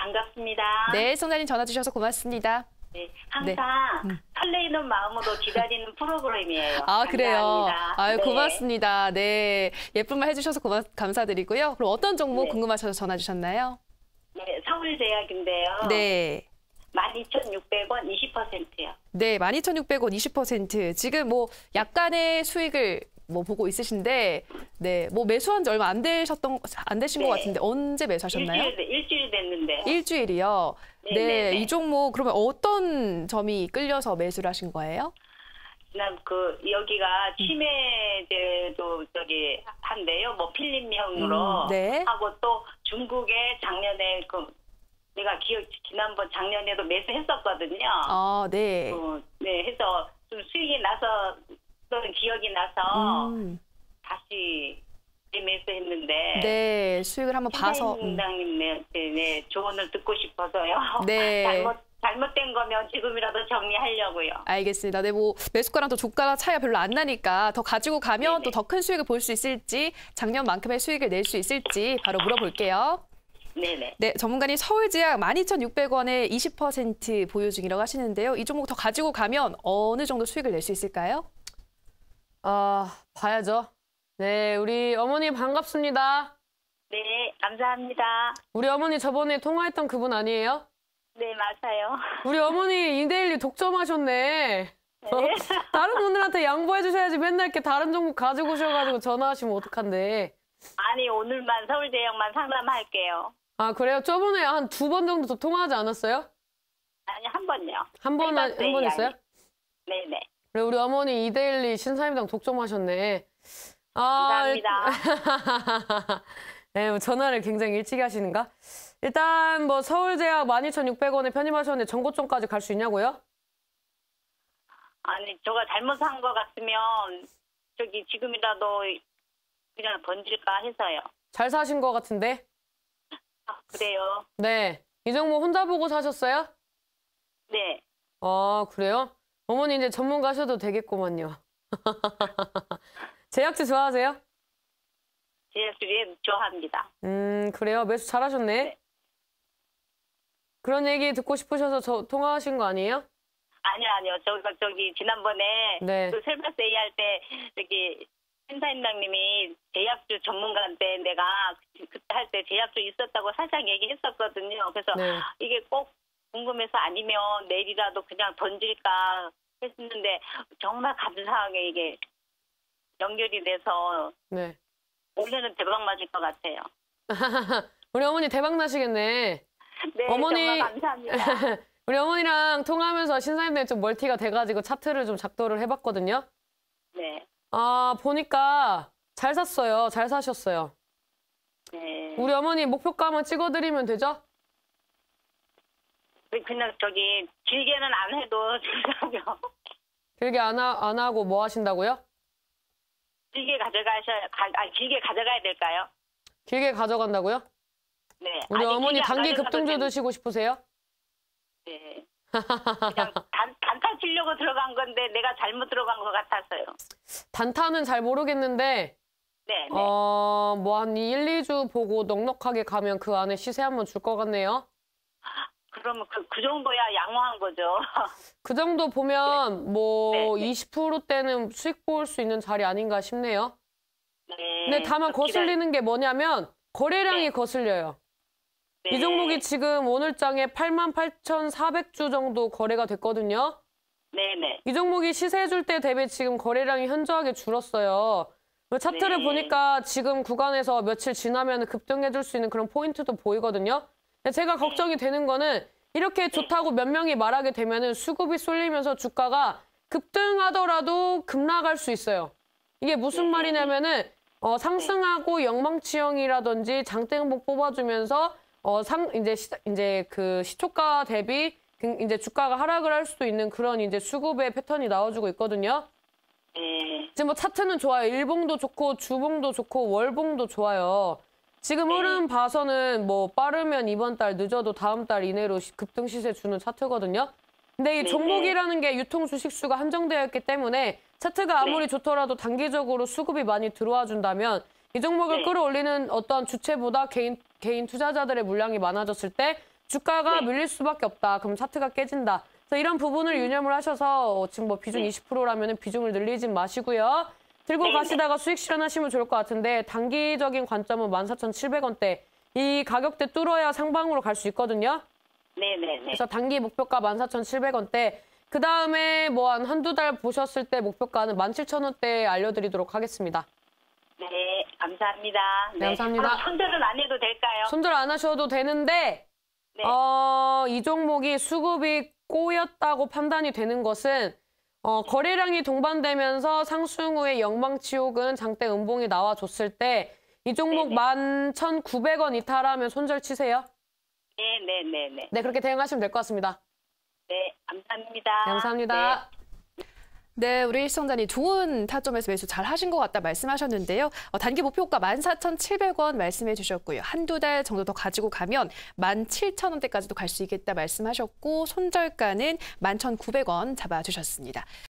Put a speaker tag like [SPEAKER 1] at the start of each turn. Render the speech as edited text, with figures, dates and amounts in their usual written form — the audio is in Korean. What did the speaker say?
[SPEAKER 1] 반갑습니다.
[SPEAKER 2] 네, 시청자님 전화 주셔서 고맙습니다.
[SPEAKER 1] 네, 항상 설레이는 마음으로 기다리는 프로그램이에요.
[SPEAKER 2] 아, 그래요.
[SPEAKER 1] 감사합니다.
[SPEAKER 2] 아유,
[SPEAKER 1] 네.
[SPEAKER 2] 고맙습니다. 네, 예쁜 말 해주셔서 감사드리고요. 그럼 어떤 종목
[SPEAKER 1] 네.
[SPEAKER 2] 궁금하셔서 전화 주셨나요?
[SPEAKER 1] 네, 서울제약인데요.
[SPEAKER 2] 네.
[SPEAKER 1] 12,600원 20%요.
[SPEAKER 2] 네, 12,600원 20%. 지금 뭐 약간의 수익을 뭐 보고 있으신데, 네, 뭐 매수한 지 얼마 안 되신
[SPEAKER 1] 네.
[SPEAKER 2] 것 같은데 언제 매수하셨나요?
[SPEAKER 1] 일주일 됐는데요.
[SPEAKER 2] 일주일이요.
[SPEAKER 1] 네,
[SPEAKER 2] 네,
[SPEAKER 1] 네, 네.
[SPEAKER 2] 이 종목 그러면 어떤 점이 끌려서 매수를 하신 거예요?
[SPEAKER 1] 난 여기가 치매제도 한데요. 뭐 필름형으로
[SPEAKER 2] 네.
[SPEAKER 1] 하고 또 중국에 작년에 내가 지난번 작년에도 매수했었거든요.
[SPEAKER 2] 아, 네.
[SPEAKER 1] 네, 해서 좀 수익이 나서 기억이 나서 다시 매수했는데.
[SPEAKER 2] 네, 수익을 한번 봐서.
[SPEAKER 1] 팀장님 네, 조언을 듣고 싶어서요.
[SPEAKER 2] 네.
[SPEAKER 1] 잘못된 거면 지금이라도 정리하려고요.
[SPEAKER 2] 알겠습니다. 네, 뭐 매수가랑 또 주가랑 차이가 별로 안 나니까 더 가지고 가면
[SPEAKER 1] 네네.
[SPEAKER 2] 또 더 큰 수익을 볼 수 있을지, 작년만큼의 수익을 낼 수 있을지 바로 물어볼게요.
[SPEAKER 1] 네네.
[SPEAKER 2] 네, 전문가님 서울제약 12,600원에 20% 보유 중이라고 하시는데요. 이 종목 더 가지고 가면 어느 정도 수익을 낼 수 있을까요?
[SPEAKER 3] 봐야죠. 네, 우리 어머니 반갑습니다.
[SPEAKER 1] 네, 감사합니다.
[SPEAKER 3] 우리 어머니 저번에 통화했던 그분 아니에요?
[SPEAKER 1] 네, 맞아요.
[SPEAKER 3] 우리 어머니 이데일리 독점하셨네. 다른 분들한테 양보해 주셔야지 맨날 이렇게 다른 종목 가지고 오셔가지고 전화하시면 어떡한데.
[SPEAKER 1] 아니, 오늘만 서울제약만 상담할게요.
[SPEAKER 3] 아, 그래요? 저번에 한 2번 정도 더 통화하지 않았어요?
[SPEAKER 1] 아니, 한 번요.
[SPEAKER 3] 한 번 했어요?
[SPEAKER 1] 네네.
[SPEAKER 3] 그래, 우리 어머니 이데일리 신사임당 독점하셨네.
[SPEAKER 1] 감사합니다.
[SPEAKER 3] 네, 뭐 전화를 굉장히 일찍 하시는가? 일단 뭐 서울제약 12,600원에 편입하셨는데 전고점까지 갈 수 있냐고요?
[SPEAKER 1] 아니, 제가 잘못한 것 같으면 지금이라도 그냥 던질까 해서요.
[SPEAKER 3] 잘 사신 것 같은데?
[SPEAKER 1] 아, 그래요?
[SPEAKER 3] 네. 이 종목 혼자 보고 사셨어요?
[SPEAKER 1] 네.
[SPEAKER 3] 그래요? 어머니 이제 전문가셔도 되겠구만요. 제약주 좋아하세요?
[SPEAKER 1] 제약주에 좋아합니다.
[SPEAKER 3] 그래요? 매수 잘하셨네.
[SPEAKER 1] 네.
[SPEAKER 3] 그런 얘기 듣고 싶으셔서 통화하신 거 아니에요?
[SPEAKER 1] 아니요. 지난번에
[SPEAKER 3] 네.
[SPEAKER 1] 셀바세이 할 때 신사임당님이 제약주 전문가인데 내가 그때 할 때 제약주 있었다고 살짝 얘기했었거든요. 그래서
[SPEAKER 3] 네.
[SPEAKER 1] 이게 꼭 궁금해서 아니면 내일이라도 그냥 던질까 했는데 정말 감사하게 이게 연결이 돼서
[SPEAKER 3] 네.
[SPEAKER 1] 올해는 대박 맞을 것 같아요.
[SPEAKER 3] 우리 어머니 대박 나시겠네.
[SPEAKER 1] 네,
[SPEAKER 3] 어머니
[SPEAKER 1] 정말 감사합니다.
[SPEAKER 3] 우리 어머니랑 통화하면서 신사임당이 좀 멀티가 돼가지고 차트를 좀 작도를 해봤거든요.
[SPEAKER 1] 네.
[SPEAKER 3] 보니까 잘 샀어요. 잘 사셨어요.
[SPEAKER 1] 네.
[SPEAKER 3] 우리 어머니 목표가 한번 찍어드리면 되죠?
[SPEAKER 1] 그냥 길게는 안 해도 되고요.
[SPEAKER 3] 길게 안 하고 뭐 하신다고요?
[SPEAKER 1] 길게 가져가야 될까요?
[SPEAKER 3] 길게 가져간다고요?
[SPEAKER 1] 네.
[SPEAKER 3] 우리 어머니
[SPEAKER 1] 길게 안
[SPEAKER 3] 단기
[SPEAKER 1] 가져가도
[SPEAKER 3] 급등주 드시고 싶으세요?
[SPEAKER 1] 네. 그냥 단타 치려고 들어간 건데 내가 잘못 들어간 것 같아서요.
[SPEAKER 3] 단타는 잘 모르겠는데
[SPEAKER 1] 네.
[SPEAKER 3] 뭐 한 1, 2주 보고 넉넉하게 가면 그 안에 시세 한번 줄 것 같네요.
[SPEAKER 1] 그러면 그 정도야 양호한 거죠.
[SPEAKER 3] 그 정도 보면 뭐
[SPEAKER 1] 네.
[SPEAKER 3] 20%대는 수익 볼 수 있는 자리 아닌가 싶네요.
[SPEAKER 1] 네.
[SPEAKER 3] 근데 다만 거슬리는 게 뭐냐면 거래량이
[SPEAKER 1] 네.
[SPEAKER 3] 거슬려요.
[SPEAKER 1] 네.
[SPEAKER 3] 이 종목이 지금 오늘장에 88,400주 정도 거래가 됐거든요.
[SPEAKER 1] 네네.
[SPEAKER 3] 이 종목이 시세 줄 때 대비 지금 거래량이 현저하게 줄었어요. 차트를
[SPEAKER 1] 네.
[SPEAKER 3] 보니까 지금 구간에서 며칠 지나면 급등해줄 수 있는 그런 포인트도 보이거든요. 근데 제가 걱정이 되는 거는 이렇게 좋다고 몇 명이 말하게 되면은 수급이 쏠리면서 주가가 급등하더라도 급락할 수 있어요. 이게 무슨 말이냐면은 상승하고 영망치형이라든지 장대응복 뽑아주면서 이제 그 시초가 대비 이제 주가가 하락을 할 수도 있는 그런 이제 수급의 패턴이 나와주고 있거든요. 지금 뭐 차트는 좋아요. 일봉도 좋고 주봉도 좋고 월봉도 좋아요. 지금 흐름 봐서는 뭐 빠르면 이번 달 늦어도 다음 달 이내로 급등 시세 주는 차트거든요. 근데 이 종목이라는 게 유통 주식 수가 한정되어 있기 때문에 차트가 아무리 좋더라도 단기적으로 수급이 많이 들어와 준다면 이 종목을 끌어올리는 어떤 주체보다 개인 투자자들의 물량이 많아졌을 때 주가가
[SPEAKER 1] 네.
[SPEAKER 3] 밀릴 수밖에 없다. 그럼 차트가 깨진다. 그래서 이런 부분을 유념을 하셔서 지금 뭐 비중 20%라면 비중을 늘리지 마시고요. 들고
[SPEAKER 1] 네,
[SPEAKER 3] 가시다가 수익 실현하시면 좋을 것 같은데 단기적인 관점은 14,700원대. 이 가격대 뚫어야 상방으로 갈 수 있거든요.
[SPEAKER 1] 네네네.
[SPEAKER 3] 그래서 단기 목표가 14,700원대. 그 다음에 뭐 한두 달 보셨을 때 목표가는 17,000원대 알려드리도록 하겠습니다.
[SPEAKER 1] 네, 감사합니다.
[SPEAKER 3] 네, 감사합니다.
[SPEAKER 1] 그럼 손절은 안 해도 될까요?
[SPEAKER 3] 손절 안 하셔도 되는데
[SPEAKER 1] 네.
[SPEAKER 3] 이 종목이 수급이 꼬였다고 판단이 되는 것은 거래량이 동반되면서 상승 후에 영망치욕은 장대 음봉이 나와줬을 때 이 종목
[SPEAKER 1] 네네.
[SPEAKER 3] 11,900원 이탈하면 손절 치세요.
[SPEAKER 1] 네네네네.
[SPEAKER 3] 네, 그렇게 대응하시면 될 것 같습니다.
[SPEAKER 1] 네, 감사합니다.
[SPEAKER 3] 네, 감사합니다.
[SPEAKER 2] 네, 우리 시청자님 좋은 타점에서 매수 잘 하신 것 같다 말씀하셨는데요. 단기 목표가 14,700원 말씀해 주셨고요. 한두 달 정도 더 가지고 가면 17,000원대까지도 갈 수 있겠다 말씀하셨고 손절가는 11,900원 잡아주셨습니다.